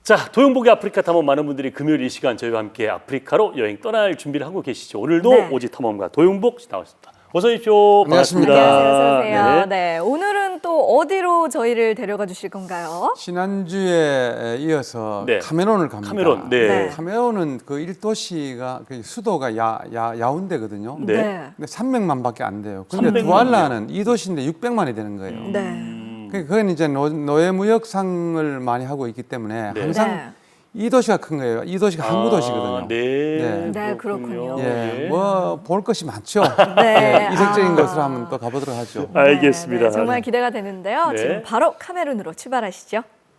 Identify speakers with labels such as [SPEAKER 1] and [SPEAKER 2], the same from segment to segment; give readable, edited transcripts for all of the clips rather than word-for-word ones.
[SPEAKER 1] 자, 도용복의 아프리카 탐험 많은 분들이 금요일 이 시간 저희와 함께 아프리카로 여행 떠날 준비를 하고 계시죠. 오늘도
[SPEAKER 2] 네.
[SPEAKER 1] 오지 탐험가 도용복 씨 나왔습니다. 어서 오십시오.
[SPEAKER 3] 안녕하십니까.
[SPEAKER 1] 반갑습니다.
[SPEAKER 2] 안녕하세요. 어서 오세요.
[SPEAKER 1] 네.
[SPEAKER 2] 네, 오늘은 또 어디로 저희를 데려가 주실 건가요?
[SPEAKER 3] 지난주에 이어서
[SPEAKER 1] 네.
[SPEAKER 3] 카메론을 갑니다.
[SPEAKER 1] 카메론. 네.
[SPEAKER 2] 네.
[SPEAKER 3] 카메론은 그 1도시가 그 수도가 야운데거든요.
[SPEAKER 1] 네.
[SPEAKER 3] 근데 300만밖에 안 돼요. 근데
[SPEAKER 1] 300만
[SPEAKER 3] 두알라는 2도시인데 600만이 되는 거예요.
[SPEAKER 2] 네.
[SPEAKER 3] 그건 이제 노예무역상을 많이 하고 있기 때문에
[SPEAKER 1] 네.
[SPEAKER 3] 항상
[SPEAKER 2] 네.
[SPEAKER 3] 2도시가 큰 거예요. 2도시가 항구 도시거든요.
[SPEAKER 1] 네.
[SPEAKER 2] 네, 그렇군요.
[SPEAKER 3] 예, 뭐 볼 것이 많죠.
[SPEAKER 2] 네.
[SPEAKER 3] 예, 이색적인
[SPEAKER 2] 아.
[SPEAKER 3] 것으로 한번 또 가보도록 하죠.
[SPEAKER 1] 알겠습니다.
[SPEAKER 2] 네, 정말 기대가 되는데요.
[SPEAKER 1] 네.
[SPEAKER 2] 지금 바로 카메룬으로 출발하시죠.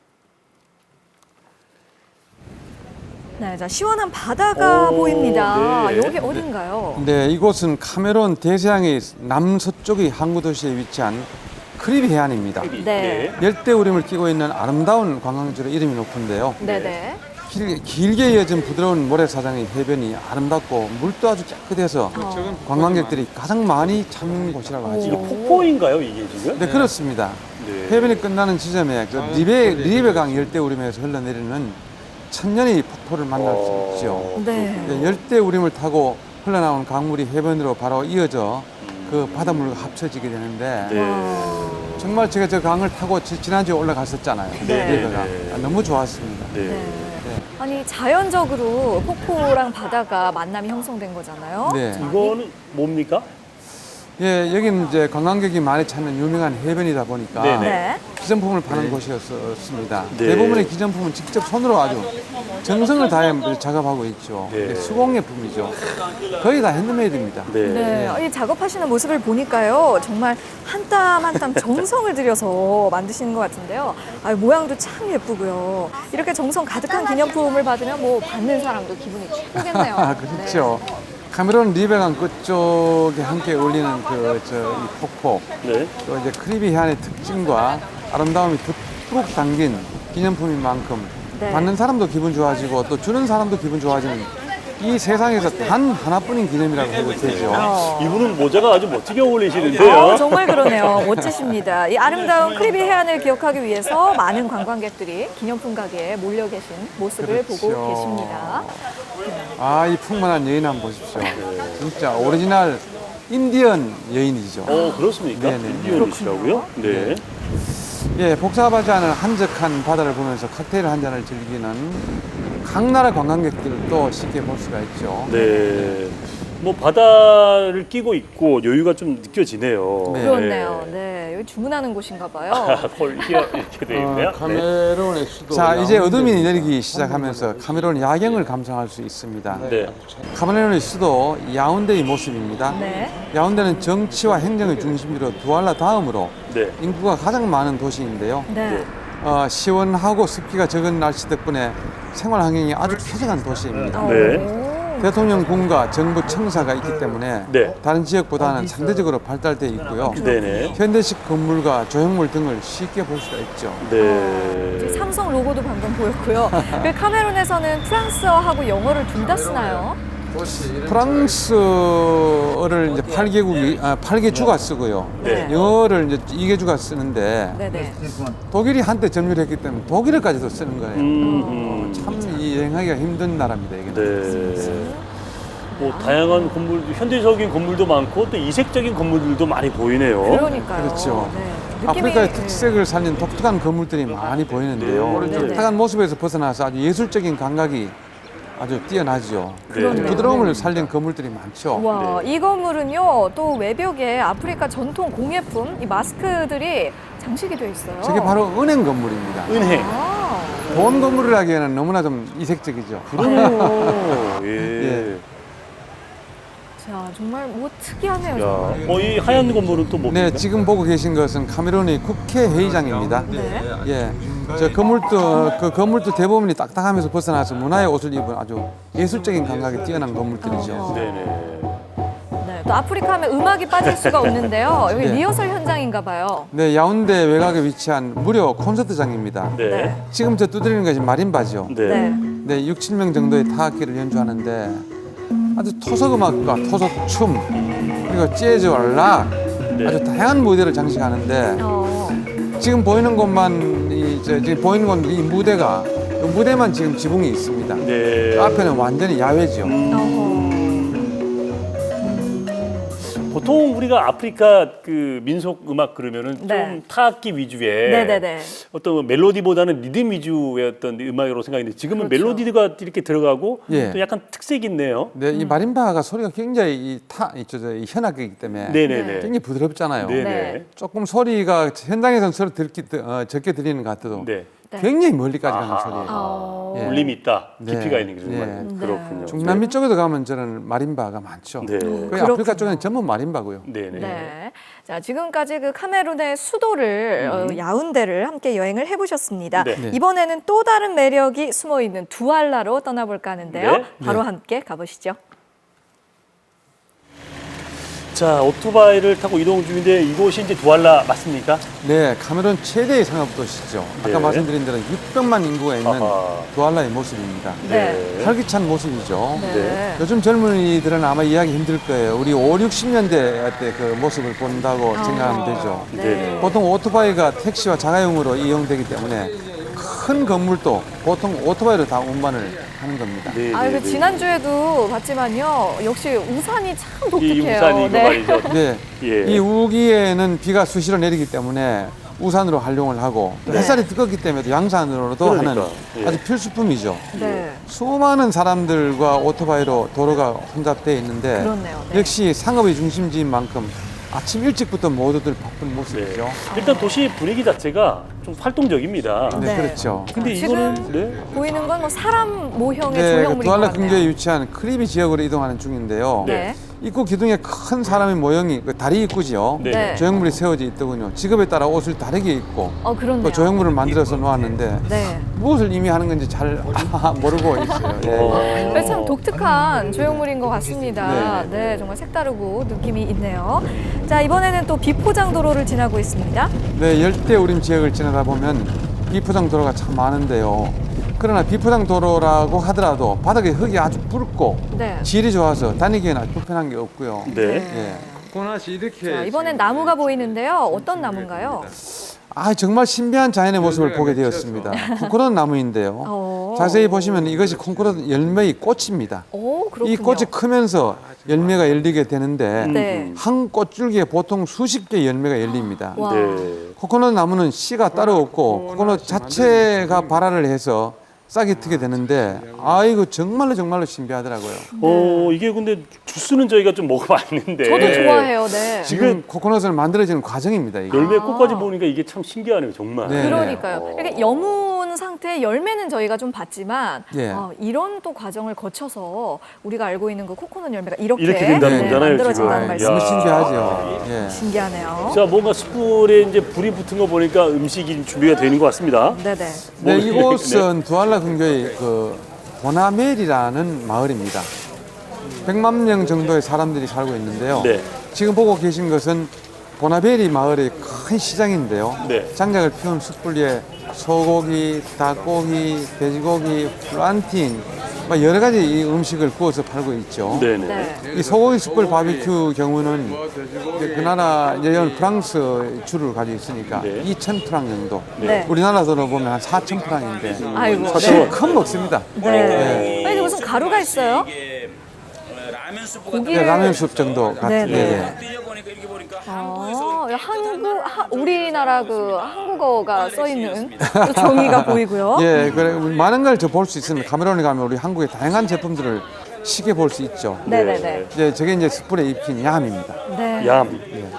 [SPEAKER 2] 네, 자 시원한 바다가
[SPEAKER 1] 오,
[SPEAKER 2] 보입니다.
[SPEAKER 1] 네.
[SPEAKER 2] 여기 어딘가요?
[SPEAKER 3] 네, 이곳은 카메론 대서양의 남서쪽의 항구 도시에 위치한 크리비 해안입니다.
[SPEAKER 2] 네.
[SPEAKER 3] 열대우림을 끼고 있는 아름다운 관광지로 이름이 높은데요.
[SPEAKER 2] 네, 네.
[SPEAKER 3] 길게 이어진 부드러운 모래사장의 해변이 아름답고 물도 아주 깨끗해서 관광객들이 가장 많이 찾는 곳이라고 하죠.
[SPEAKER 1] 이거 폭포인가요, 이게 지금?
[SPEAKER 3] 네, 그렇습니다.
[SPEAKER 1] 네.
[SPEAKER 3] 해변이 끝나는 지점에 그 리베강 열대우림에서 흘러내리는 천년의 폭포를 만날 수 있죠.
[SPEAKER 2] 네.
[SPEAKER 3] 네, 열대우림을 타고 흘러나오는 강물이 해변으로 바로 이어져 그 바닷물과 합쳐지게 되는데
[SPEAKER 1] 네.
[SPEAKER 3] 정말 제가 저 강을 타고 지난주에 올라갔었잖아요.
[SPEAKER 2] 네.
[SPEAKER 3] 리베가. 너무 좋았습니다.
[SPEAKER 1] 네.
[SPEAKER 2] 네. 아니 자연적으로 폭포랑 바다가 만남이 형성된 거잖아요.
[SPEAKER 3] 네.
[SPEAKER 1] 이거는 뭡니까?
[SPEAKER 3] 예, 여기는 이제 관광객이 많이 찾는 유명한 해변이다 보니까
[SPEAKER 1] 네네.
[SPEAKER 2] 네.
[SPEAKER 3] 기념품을 파는 곳이었습니다.
[SPEAKER 1] 네.
[SPEAKER 3] 대부분의 기념품은 직접 손으로 아주 정성을 다해 작업하고 있죠.
[SPEAKER 1] 네.
[SPEAKER 3] 이게 수공예품이죠. 거의 다 핸드메이드입니다.
[SPEAKER 1] 네.
[SPEAKER 2] 네, 이 작업하시는 모습을 보니까요, 정말 한 땀 한 땀 정성을 들여서 만드시는 것 같은데요. 아, 모양도 참 예쁘고요. 이렇게 정성 가득한 기념품을 받으면 뭐 받는 사람도 기분이 최고겠네요.
[SPEAKER 3] 아, 그렇죠. 카메론 리베강 끝쪽에 함께 어울리는 이 폭포,
[SPEAKER 1] 네.
[SPEAKER 3] 또 이제 크리비 해안의 특징과 아름다움이 푹 담긴 기념품인 만큼
[SPEAKER 2] 네.
[SPEAKER 3] 받는 사람도 기분 좋아지고 또 주는 사람도 기분 좋아지는 이 세상에서 단 하나뿐인 기념이라고 해도 되죠.
[SPEAKER 1] 이분은 모자가 아주 멋지게 어울리시는데요.
[SPEAKER 2] 정말 그러네요. 멋지십니다. 이 아름다운 크리비 해안을 기억하기 위해서 많은 관광객들이 기념품 가게에 몰려 계신 모습을 보고
[SPEAKER 3] 그렇죠.
[SPEAKER 2] 계십니다.
[SPEAKER 3] 아, 이 풍만한 여인 한번 보십시오. 진짜 오리지널 인디언 여인이죠.
[SPEAKER 1] 그렇습니까?
[SPEAKER 3] 네네.
[SPEAKER 1] 인디언이시라고요? 네.
[SPEAKER 3] 예, 복잡하지 않은 한적한 바다를 보면서 칵테일 한 잔을 즐기는 각 나라 관광객들도 쉽게 볼 수가 있죠.
[SPEAKER 1] 네. 뭐 바다를 끼고 있고 여유가 좀 느껴지네요.
[SPEAKER 3] 네.
[SPEAKER 2] 그렇네요. 네, 여기 주문하는 곳인가 봐요.
[SPEAKER 1] 콜기가 이렇게 돼 있네요.
[SPEAKER 3] 카메론의 수도. 자, 이제 어둠이 내리기 시작하면서 카메론 야경을 감상할 수 있습니다.
[SPEAKER 1] 네.
[SPEAKER 3] 카메론의 수도 야운데의 모습입니다.
[SPEAKER 2] 네.
[SPEAKER 3] 야운데는 정치와 행정의 중심지로 두알라 다음으로
[SPEAKER 1] 네.
[SPEAKER 3] 인구가 가장 많은 도시인데요.
[SPEAKER 2] 네.
[SPEAKER 3] 시원하고 습기가 적은 날씨 덕분에 생활 환경이 아주 쾌적한 도시입니다.
[SPEAKER 1] 네.
[SPEAKER 3] 대통령궁과 정부 청사가 있기 때문에
[SPEAKER 1] 네.
[SPEAKER 3] 다른 지역보다는 상대적으로 발달되어 있고요.
[SPEAKER 1] 네네.
[SPEAKER 3] 현대식 건물과 조형물 등을 쉽게 볼 수가 있죠.
[SPEAKER 1] 네.
[SPEAKER 2] 삼성 로고도 방금 보였고요. 그 카메룬에서는 프랑스어하고 영어를 둘 다 쓰나요?
[SPEAKER 3] 프랑스어를 이제 8개 주가 쓰고요.
[SPEAKER 2] 네.
[SPEAKER 3] 영어를 이제 2개 주가 쓰는데
[SPEAKER 2] 네네.
[SPEAKER 3] 독일이 한때 점유를 했기 때문에 독일어까지도 쓰는 거예요. 참 이 여행하기가 힘든 나라입니다. 이게.
[SPEAKER 1] 네. 뭐 다양한 건물, 현대적인 건물도 많고 또 이색적인 건물들도 많이 보이네요.
[SPEAKER 2] 그러니까요.
[SPEAKER 3] 그렇죠.
[SPEAKER 2] 네. 느낌이-
[SPEAKER 3] 아프리카의 특색을 살린 독특한 건물들이 많이 보이는데요.
[SPEAKER 1] 네.
[SPEAKER 3] 독특한 모습에서 벗어나서 아주 예술적인 감각이 아주 뛰어나죠.
[SPEAKER 2] 그러네요.
[SPEAKER 3] 부드러움을 살린 건물들이 많죠.
[SPEAKER 2] 와, 이 건물은요, 또 외벽에 아프리카 전통 공예품, 이 마스크들이 장식이 되어 있어요.
[SPEAKER 3] 저게 바로 은행 건물입니다.
[SPEAKER 1] 은행.
[SPEAKER 2] 아,
[SPEAKER 3] 돈 건물이라기에는 너무나 좀 이색적이죠.
[SPEAKER 1] 그러네요. 예.
[SPEAKER 3] 예.
[SPEAKER 2] 자, 정말 뭐 특이하네요.
[SPEAKER 1] 야,
[SPEAKER 2] 정말.
[SPEAKER 1] 이 하얀 건물은 또 뭡니까?
[SPEAKER 3] 네, 지금 보고 계신 것은 카메룬의 국회 회의장입니다.
[SPEAKER 2] 네.
[SPEAKER 3] 예, 저 건물도 대부분이 딱딱하면서 벗어나서 문화의 옷을 입은 아주 예술적인 감각이 뛰어난 건물들이죠.
[SPEAKER 1] 네네.
[SPEAKER 2] 네, 또 아프리카 하면 음악이 빠질 수가 없는데요. 여기
[SPEAKER 3] 네.
[SPEAKER 2] 리허설 현장인가 봐요.
[SPEAKER 3] 네, 야운데 외곽에 위치한 무료 콘서트장입니다.
[SPEAKER 1] 네.
[SPEAKER 3] 지금 저 두드리는 것이 마림바죠.
[SPEAKER 1] 네.
[SPEAKER 2] 네.
[SPEAKER 3] 네, 6, 7명 정도의 타악기를 연주하는데 아주 토속음악과 토속춤 그리고 재즈와 락
[SPEAKER 1] 네.
[SPEAKER 3] 아주 다양한 무대를 장식하는데
[SPEAKER 2] 어,
[SPEAKER 3] 지금 보이는 곳만 지금 보이는 건 이 무대가 그 무대만 지금 지붕이 있습니다.
[SPEAKER 1] 네.
[SPEAKER 3] 그 앞에는 완전히 야외죠.
[SPEAKER 2] 어허.
[SPEAKER 1] 보통 우리가 아프리카 그 민속 음악 그러면은
[SPEAKER 2] 네.
[SPEAKER 1] 좀 타악기 위주의
[SPEAKER 2] 네네네.
[SPEAKER 1] 어떤 멜로디보다는 리듬 위주의 어떤 음악으로 생각했는데 지금은
[SPEAKER 2] 그렇죠.
[SPEAKER 1] 멜로디가 이렇게 들어가고
[SPEAKER 3] 예.
[SPEAKER 1] 또 약간 특색이 있네요.
[SPEAKER 3] 네, 이 마림바가 소리가 굉장히 이 현악기이기 때문에
[SPEAKER 1] 네네네.
[SPEAKER 3] 굉장히 부드럽잖아요.
[SPEAKER 1] 네네.
[SPEAKER 2] 네.
[SPEAKER 3] 조금 소리가 현장에서는 서로 적게 들리는 것 같아도
[SPEAKER 1] 네.
[SPEAKER 2] 네.
[SPEAKER 3] 굉장히 멀리까지 가는
[SPEAKER 1] 아하.
[SPEAKER 3] 소리예요.
[SPEAKER 2] 어.
[SPEAKER 3] 예.
[SPEAKER 1] 울림이 있다,
[SPEAKER 3] 네.
[SPEAKER 1] 깊이가 있는 게 정말
[SPEAKER 3] 네.
[SPEAKER 1] 그렇군요.
[SPEAKER 3] 중남미 쪽에도 가면 저는 마림바가 많죠.
[SPEAKER 1] 네.
[SPEAKER 3] 거의
[SPEAKER 2] 그렇군요.
[SPEAKER 3] 아프리카 쪽에는 전부 마림바고요.
[SPEAKER 1] 네네.
[SPEAKER 2] 네. 자, 지금까지 그 카메룬의 수도를 야운데를 함께 여행을 해보셨습니다.
[SPEAKER 1] 네.
[SPEAKER 3] 네.
[SPEAKER 2] 이번에는 또 다른 매력이 숨어 있는 두알라로 떠나볼까 하는데요.
[SPEAKER 1] 네.
[SPEAKER 2] 바로
[SPEAKER 3] 네.
[SPEAKER 2] 함께 가보시죠.
[SPEAKER 1] 자, 오토바이를 타고 이동 중인데 이곳이 이제 두알라 맞습니까?
[SPEAKER 3] 네, 카메룬 최대의 상업도시죠. 아까
[SPEAKER 1] 네.
[SPEAKER 3] 말씀드린 대로 600만 인구가 있는
[SPEAKER 1] 아하.
[SPEAKER 3] 두알라의 모습입니다.
[SPEAKER 2] 네.
[SPEAKER 3] 활기찬 모습이죠.
[SPEAKER 2] 네.
[SPEAKER 3] 요즘 젊은이들은 아마 이해하기 힘들 거예요. 우리 5, 60년대 때 그 모습을 본다고 생각하면 되죠.
[SPEAKER 1] 네.
[SPEAKER 3] 보통 오토바이가 택시와 자가용으로 이용되기 때문에 큰 건물도 보통 오토바이로 다 운반을 하는 겁니다.
[SPEAKER 1] 네.
[SPEAKER 2] 아,
[SPEAKER 1] 네,
[SPEAKER 2] 그
[SPEAKER 1] 네.
[SPEAKER 2] 지난주에도 봤지만요. 역시 우산이 참
[SPEAKER 1] 이
[SPEAKER 2] 독특해요.
[SPEAKER 1] 우산이 이거 말이죠.
[SPEAKER 3] 네,
[SPEAKER 1] 예.
[SPEAKER 3] 이 우기에는 비가 수시로 내리기 때문에 우산으로 활용을 하고 또
[SPEAKER 2] 네.
[SPEAKER 3] 햇살이 뜨겁기 때문에 양산으로도
[SPEAKER 1] 그러니까,
[SPEAKER 3] 하는
[SPEAKER 1] 예.
[SPEAKER 3] 아주 필수품이죠.
[SPEAKER 2] 네.
[SPEAKER 3] 수많은 사람들과 오토바이로 도로가 혼잡되어 있는데
[SPEAKER 2] 그렇네요. 네.
[SPEAKER 3] 역시 상업의 중심지인 만큼 아침 일찍부터 모두들 바쁜
[SPEAKER 1] 네.
[SPEAKER 3] 모습이죠.
[SPEAKER 1] 일단 도시 분위기 자체가 좀 활동적입니다.
[SPEAKER 3] 네,
[SPEAKER 2] 네.
[SPEAKER 3] 그렇죠.
[SPEAKER 1] 근데
[SPEAKER 2] 지금
[SPEAKER 1] 이거는 네.
[SPEAKER 2] 보이는 건 뭐 사람 모형의
[SPEAKER 3] 네,
[SPEAKER 2] 조형물인 것
[SPEAKER 3] 두알라
[SPEAKER 2] 같네요.
[SPEAKER 3] 근교에 위치한 크리비 지역으로 이동하는 중인데요.
[SPEAKER 2] 네.
[SPEAKER 3] 입구 기둥에 큰 사람의 모형이 그 다리 입구지요.
[SPEAKER 1] 네.
[SPEAKER 2] 네.
[SPEAKER 3] 조형물이 세워져 있더군요. 직업에 따라 옷을 다르게 입고
[SPEAKER 2] 그렇네요.
[SPEAKER 3] 또 조형물을 만들어서 놓았는데
[SPEAKER 2] 네.
[SPEAKER 3] 무엇을 의미하는 건지 잘 모르고 있어요. 예.
[SPEAKER 2] 그래서 참 독특한 조형물인 것 같습니다.
[SPEAKER 3] 네.
[SPEAKER 2] 네, 정말 색다르고 느낌이 있네요. 자, 이번에는 또 비포장 도로를 지나고 있습니다.
[SPEAKER 3] 네, 열대우림 지역을 지나다 보면 비포장 도로가 참 많은데요. 그러나 비포장 도로라고 하더라도 바닥에 흙이 아주 붉고
[SPEAKER 2] 네.
[SPEAKER 3] 질이 좋아서 다니기에는 아주 불편한 게 없고요.
[SPEAKER 1] 네.
[SPEAKER 3] 예. 코코넛이 이렇게
[SPEAKER 2] 자, 이번엔 나무가 보이는데요. 어떤 나무인가요?
[SPEAKER 3] 정말 신비한 자연의 모습을 보게 되었습니다. 코코넛 나무인데요.
[SPEAKER 2] 어.
[SPEAKER 3] 자세히 보시면 이것이 코코넛 열매의 꽃입니다.
[SPEAKER 2] 오, 그렇군요.
[SPEAKER 3] 이 꽃이 크면서 열매가 열리게 되는데
[SPEAKER 2] 네.
[SPEAKER 3] 한 꽃줄기에 보통 수십 개 열매가 열립니다.
[SPEAKER 2] 와.
[SPEAKER 1] 네.
[SPEAKER 3] 코코넛 나무는 씨가 따로 없고 코코넛 자체가 발화를 해서 싹이 트게 되는데 이거 정말로 신비하더라고요.
[SPEAKER 1] 이게 근데 주스는 저희가 좀 먹어봤는데
[SPEAKER 2] 저도 좋아해요. 네.
[SPEAKER 3] 지금 코코넛을 만들어지는 과정입니다. 이게.
[SPEAKER 1] 열매 꽃까지 보니까 이게 참 신기하네요, 정말.
[SPEAKER 3] 네.
[SPEAKER 2] 그러니까요. 이렇게 여문 상태의 열매는 저희가 좀 봤지만
[SPEAKER 3] 예.
[SPEAKER 2] 이런 또 과정을 거쳐서 우리가 알고 있는 그 코코넛 열매가 이렇게
[SPEAKER 1] 된다는 거잖아요,
[SPEAKER 2] 만들어진다는
[SPEAKER 1] 지금.
[SPEAKER 3] 너무
[SPEAKER 2] 말씀.
[SPEAKER 3] 신기하죠. 예.
[SPEAKER 2] 신기하네요.
[SPEAKER 1] 자, 뭔가 숯불에 이제 불이 붙은 거 보니까 음식이 준비가 되는 것 같습니다.
[SPEAKER 2] 네네.
[SPEAKER 3] 네,
[SPEAKER 1] 뭐,
[SPEAKER 3] 이곳은 두알라 근교의 그 보나멜이라는 마을입니다. 100만 명 정도의 사람들이 살고 있는데요.
[SPEAKER 1] 네.
[SPEAKER 3] 지금 보고 계신 것은 보나베리 마을의 큰 시장인데요.
[SPEAKER 1] 네.
[SPEAKER 3] 장작을 피운 숯불 위에 소고기, 닭고기, 돼지고기, 플란팅 막 여러 가지 이 음식을 구워서 팔고 있죠.
[SPEAKER 1] 네네.
[SPEAKER 2] 네.
[SPEAKER 3] 이 소고기 숯불 바비큐 경우는 그 나라 여행 프랑스 주를 가지고 있으니까
[SPEAKER 1] 네.
[SPEAKER 3] 2,000프랑 정도.
[SPEAKER 2] 네.
[SPEAKER 3] 우리나라 돈으로 보면 한 4,000프랑인데
[SPEAKER 2] 아이고.
[SPEAKER 1] 사실
[SPEAKER 3] 큰 먹습니다.
[SPEAKER 2] 네. 아니, 무슨 가루가 있어요? 고기를
[SPEAKER 3] 라면 숲 정도 같은.
[SPEAKER 2] 네네.
[SPEAKER 3] 예.
[SPEAKER 2] 우리나라 그 한국어가 써 있는 또 종이가 보이고요.
[SPEAKER 3] 예, 그래 많은 걸 저 볼 수 있습니다. 카메론에 가면 우리 한국의 다양한 제품들을 쉽게 볼 수 있죠.
[SPEAKER 2] 네네네.
[SPEAKER 3] 저게 이제 숯불에 입힌 얌입니다.
[SPEAKER 2] 네.
[SPEAKER 1] 얌.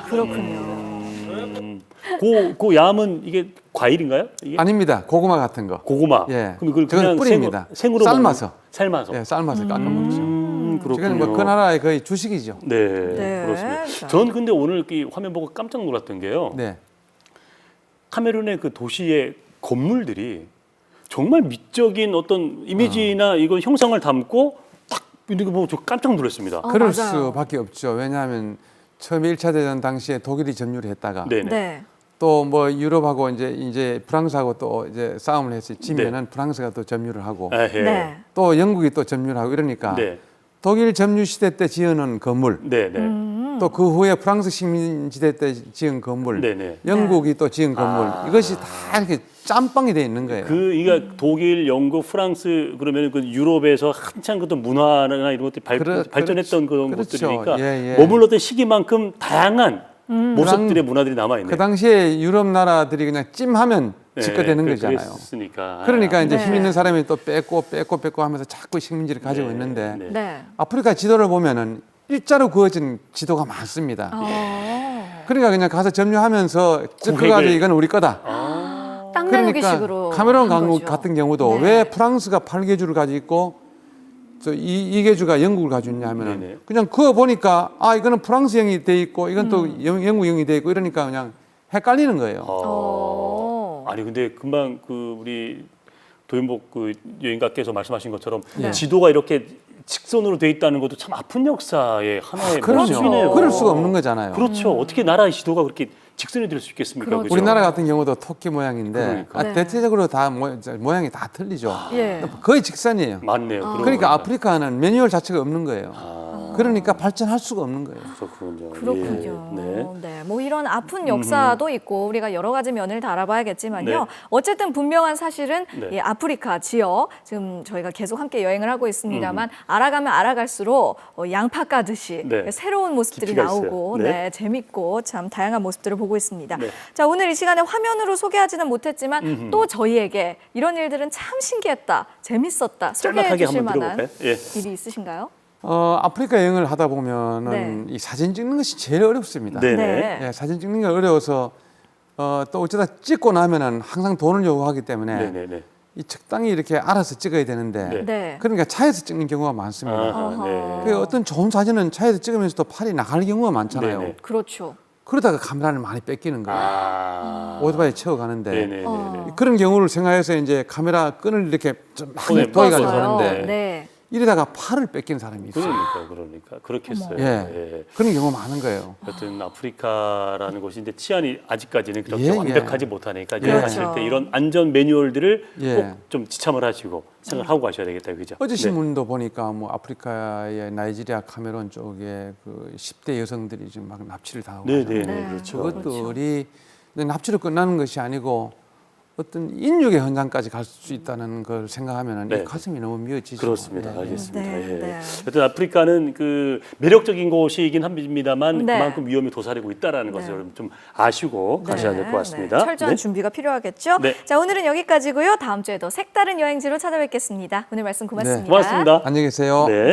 [SPEAKER 2] 그렇군요.
[SPEAKER 1] 그 얌은 이게 과일인가요? 이게?
[SPEAKER 3] 아닙니다. 고구마 같은 거.
[SPEAKER 1] 고구마.
[SPEAKER 3] 예.
[SPEAKER 1] 그럼 그걸
[SPEAKER 3] 저건
[SPEAKER 1] 그냥
[SPEAKER 3] 뿌리입니다.
[SPEAKER 1] 생으로
[SPEAKER 3] 삶아서.
[SPEAKER 1] 삶아서.
[SPEAKER 3] 예, 삶아서 깎아 먹죠.
[SPEAKER 1] 그렇군요.
[SPEAKER 3] 지금 뭐 그 나라의 거의 주식이죠.
[SPEAKER 1] 네,
[SPEAKER 2] 네.
[SPEAKER 1] 그렇습니다.
[SPEAKER 2] 자.
[SPEAKER 1] 전 근데 오늘 이 화면 보고 깜짝 놀랐던 게요.
[SPEAKER 3] 네.
[SPEAKER 1] 카메룬의 그 도시의 건물들이 정말 미적인 어떤 이미지나 이건 형상을 담고 딱 이렇게 보고 저 깜짝 놀랐습니다.
[SPEAKER 3] 그럴
[SPEAKER 2] 맞아요.
[SPEAKER 3] 수밖에 없죠. 왜냐하면 처음에 1차 대전 당시에 독일이 점유를 했다가
[SPEAKER 1] 네네.
[SPEAKER 2] 네.
[SPEAKER 3] 또 뭐 유럽하고 이제 프랑스하고 또 이제 싸움을 해서 지면은 프랑스가 또 점유를 하고
[SPEAKER 1] 에헤.
[SPEAKER 2] 네.
[SPEAKER 3] 또 영국이 또 점유를 하고 이러니까
[SPEAKER 1] 네.
[SPEAKER 3] 독일 점유 시대 때 지어놓은 건물
[SPEAKER 1] 네네.
[SPEAKER 3] 또 그 후에 프랑스 식민지대 때 지은 건물,
[SPEAKER 1] 네네.
[SPEAKER 3] 영국이 또 지은 건물 이것이 다 이렇게 짬뽕이 돼 있는 거예요.
[SPEAKER 1] 이가 독일, 영국, 프랑스 그러면 그 유럽에서 한창 그떤 문화나 이런 것들이 발전했던 그런
[SPEAKER 3] 그렇죠.
[SPEAKER 1] 곳들이니까
[SPEAKER 3] 예, 예.
[SPEAKER 1] 머물렀던 시기만큼 다양한 모습들의 문화들이 남아 있네요.
[SPEAKER 3] 그 당시에 유럽 나라들이 그냥 찜하면 집거되는 거잖아요.
[SPEAKER 1] 그랬으니까.
[SPEAKER 3] 그러니까 이제
[SPEAKER 2] 네.
[SPEAKER 3] 힘 있는 사람이 또 뺏고 하면서 자꾸 식민지를 가지고 있는데
[SPEAKER 1] 네.
[SPEAKER 2] 네.
[SPEAKER 3] 아프리카 지도를 보면은 일자로 그어진 지도가 많습니다. 그러니까 그냥 가서 점유하면서 찍어가지고 이건 우리 거다.
[SPEAKER 2] 땅 나누기
[SPEAKER 3] 그러니까
[SPEAKER 2] 식으로
[SPEAKER 3] 카메론
[SPEAKER 2] 한
[SPEAKER 3] 강국
[SPEAKER 2] 거죠.
[SPEAKER 3] 같은 경우도
[SPEAKER 2] 네.
[SPEAKER 3] 왜 프랑스가 8개주를 가지고 있고 또 이개주가 영국을 가지고 있냐 하면은
[SPEAKER 1] 네네.
[SPEAKER 3] 그냥 그어 보니까 이거는 프랑스형이 돼 있고 이건 또 영국형이 돼 있고 이러니까 그냥 헷갈리는 거예요.
[SPEAKER 1] 아니 근데 금방 그 우리 도윤복 그 여행가께서 말씀하신 것처럼
[SPEAKER 2] 네.
[SPEAKER 1] 지도가 이렇게 직선으로 돼 있다는 것도 참 아픈 역사의 하나의
[SPEAKER 3] 그럼요.
[SPEAKER 1] 모습이네요.
[SPEAKER 3] 그럴 수가 없는 거잖아요.
[SPEAKER 1] 그렇죠. 어떻게 나라의 지도가 그렇게 직선이 될 수 있겠습니까?
[SPEAKER 2] 그렇죠.
[SPEAKER 1] 그죠?
[SPEAKER 3] 우리나라 같은 경우도 토끼 모양인데
[SPEAKER 1] 그러니까.
[SPEAKER 2] 네.
[SPEAKER 3] 대체적으로 다 모양이 다 틀리죠.
[SPEAKER 2] 예.
[SPEAKER 3] 거의 직선이에요.
[SPEAKER 1] 맞네요. 그러고
[SPEAKER 3] 그러니까
[SPEAKER 1] 보니까.
[SPEAKER 3] 아프리카는 매뉴얼 자체가 없는 거예요. 그러니까 발전할 수가 없는 거예요.
[SPEAKER 1] 그렇군요.
[SPEAKER 2] 그렇군요.
[SPEAKER 1] 예. 네.
[SPEAKER 2] 네, 뭐 이런 아픈 역사도 있고 우리가 여러 가지 면을 다 알아봐야겠지만요.
[SPEAKER 1] 네.
[SPEAKER 2] 어쨌든 분명한 사실은
[SPEAKER 1] 네.
[SPEAKER 2] 이 아프리카 지역 지금 저희가 계속 함께 여행을 하고 있습니다만 알아가면 알아갈수록 양파 까듯이
[SPEAKER 1] 네.
[SPEAKER 2] 새로운 모습들이
[SPEAKER 1] 깊이가
[SPEAKER 2] 나오고
[SPEAKER 1] 있어요.
[SPEAKER 2] 네.
[SPEAKER 1] 네.
[SPEAKER 2] 재밌고 참 다양한 모습들을 보고 있습니다.
[SPEAKER 1] 네.
[SPEAKER 2] 자, 오늘 이 시간에 화면으로 소개하지는 못했지만 또 저희에게 이런 일들은 참 신기했다, 재밌었다 소개해
[SPEAKER 1] 짤막하게
[SPEAKER 2] 주실
[SPEAKER 1] 한번
[SPEAKER 2] 만한
[SPEAKER 1] 들어볼까요? 예.
[SPEAKER 2] 일이 있으신가요?
[SPEAKER 3] 아프리카 여행을 하다 보면은 이 사진 찍는 것이 제일 어렵습니다.
[SPEAKER 1] 네.
[SPEAKER 2] 네.
[SPEAKER 3] 예, 사진 찍는 게 어려워서 또 어쩌다 찍고 나면은 항상 돈을 요구하기 때문에
[SPEAKER 1] 네네네.
[SPEAKER 3] 이 적당히 이렇게 알아서 찍어야 되는데
[SPEAKER 1] 네.
[SPEAKER 2] 네.
[SPEAKER 3] 그러니까 차에서 찍는 경우가 많습니다.
[SPEAKER 1] 네.
[SPEAKER 3] 그 어떤 좋은 사진은 차에서 찍으면서도 팔이 나갈 경우가 많잖아요.
[SPEAKER 1] 네네.
[SPEAKER 2] 그렇죠.
[SPEAKER 3] 그러다가 카메라를 많이 뺏기는 거예요. 오토바이 채워 가는데
[SPEAKER 1] 네네네.
[SPEAKER 3] 그런 경우를 생각해서 이제 카메라 끈을 이렇게 좀
[SPEAKER 1] 손에
[SPEAKER 3] 많이 도와가지고
[SPEAKER 2] 뻗어요.
[SPEAKER 3] 하는데
[SPEAKER 2] 네.
[SPEAKER 3] 이러다가 팔을 뺏기는 사람이 있어요.
[SPEAKER 1] 그러니까 그렇게 했어요.
[SPEAKER 3] 예.
[SPEAKER 1] 예.
[SPEAKER 3] 그런 경우가 많은 거예요.
[SPEAKER 1] 여튼 아프리카라는 곳인데 치안이 아직까지는 그렇게
[SPEAKER 3] 예, 예.
[SPEAKER 1] 완벽하지 못하니까
[SPEAKER 2] 그렇죠.
[SPEAKER 1] 여행하실 때 이런 안전 매뉴얼들을
[SPEAKER 3] 예.
[SPEAKER 1] 꼭 좀 지참을 하시고 생각을 하고 가셔야 되겠다, 그죠?
[SPEAKER 3] 어제
[SPEAKER 1] 네.
[SPEAKER 3] 신문도 보니까 뭐 아프리카의 나이지리아 카메론 쪽에 그 10대 여성들이 지금 막 납치를 당하고
[SPEAKER 1] 네,
[SPEAKER 3] 하잖아요.
[SPEAKER 1] 네,
[SPEAKER 2] 네.
[SPEAKER 1] 그렇죠.
[SPEAKER 3] 그것들이 납치로 끝나는 것이 아니고 어떤 인육의 현장까지 갈 수 있다는 걸 생각하면
[SPEAKER 1] 네.
[SPEAKER 3] 이 가슴이 너무 미어지죠.
[SPEAKER 1] 그렇습니다.
[SPEAKER 3] 예.
[SPEAKER 1] 알겠습니다.
[SPEAKER 2] 네,
[SPEAKER 1] 예.
[SPEAKER 2] 네.
[SPEAKER 1] 여튼 아프리카는 그 매력적인 곳이긴 합니다만
[SPEAKER 2] 네.
[SPEAKER 1] 그만큼 위험이 도사리고 있다라는 것을 여러분 좀 아시고 가셔야 될 것 같습니다.
[SPEAKER 2] 네, 철저한
[SPEAKER 1] 네.
[SPEAKER 2] 준비가 필요하겠죠.
[SPEAKER 1] 네.
[SPEAKER 2] 자, 오늘은 여기까지고요. 다음 주에도 색다른 여행지로 찾아뵙겠습니다. 오늘 말씀 고맙습니다.
[SPEAKER 1] 고맙습니다.
[SPEAKER 3] 안녕히 계세요.
[SPEAKER 1] 네.